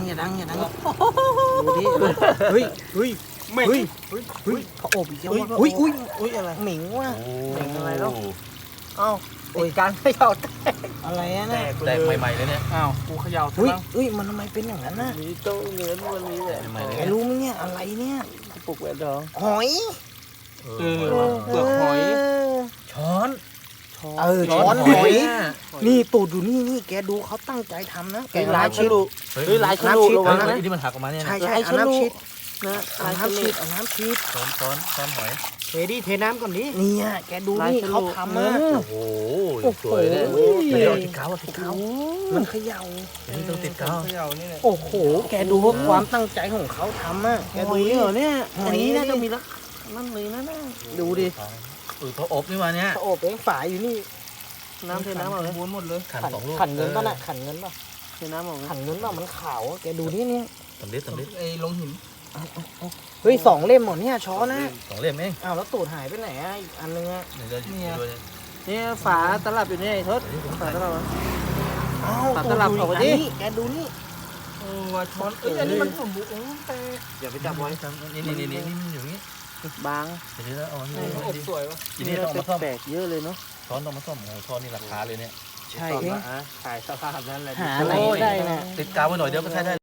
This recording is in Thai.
ดูดิเฮ้ยเขาอบอีกแล้วว่ะอุ้ยอะไรเหม็งว่ะเหม็งอะไรแล้วเอ้าโอ้ยการเขย่าแตกอะไรอะเนี่ยแตกใหม่ๆเลยเนี่ยอ้าวกูเขย่าอุ้ยมันทำไมเป็นอย่างนั้นน่ะมีโต๊ะเนื้อวันนี้แหละใหม่ๆเลยไอ้รู้ไหมเนี่ยอะไรเนี่ยปลุกแหวนทองหอยเปลือกหอยช้อนช้อนหอยนี่ตูดอยู่นี่แกดูเขาตั้งใจทำนะแกลายฉลุเฮ้ยลายฉลุระวังนะที่มันหักออกมาเนี่ยใช่เอาน้ำชิดนะเอาน้ำชิดช้อนหอยเทดิเทน้ำก่อนดิเนี่ยแกดูนี่เขาทำอ่ะโอ้โหสวยเลยเดี๋ยวติดกาวมันเขย่านี่ต้องติดกาวเขย่านี่แหละโอ้โหแกดูว่าความตั้งใจของเขาทำอ่ะแกหดูอยเหรอเนี่ยอันนี้น่าจะมีละนั่นเลยนะดูดิเขาอบนี่มาเนี่ยเขาอบเองฝาอยู่นี่น้ำเทน้ำออกเลยหมดเลยขันสองลูกขันเงินป่ะน่ะขันเงินป่ะเทน้ำออกเลยขันเงินป่ะมันขาวแกดูนี่เนี่ยสำลิดไอ้ลงหินเฮ้ย2 เล่มหมดเนี่ยช้อนนะ 2 เล่มเองอ้าวแล้วตูดหายไปไหนอ่ะอีกอันนึงอ่ะเนี่ยฝาตลับอยู่เนี่ยไอ้ทศฝาตลับอ้าวตัดตลับออกไปดิแกดูนี่โอ้ว่าช้อนเอ้ยอันนี้มันสมบูรณ์แต่อย่าไปจับไว้นี่อยู่นี่บางเดี๋ยวเอาอบสวยวะทีนี้ต้องมาซ่อมแปลกเยอะเลยเนาะช้อนต้องมาซ่อมช้อนนี่ราคาเลยเนี่ยใช่ตอนเองขายสภาพนั้นแหละหาอะไรได้นะติดกาวไว้หน่อยเดี๋ยวก็ใช้ได้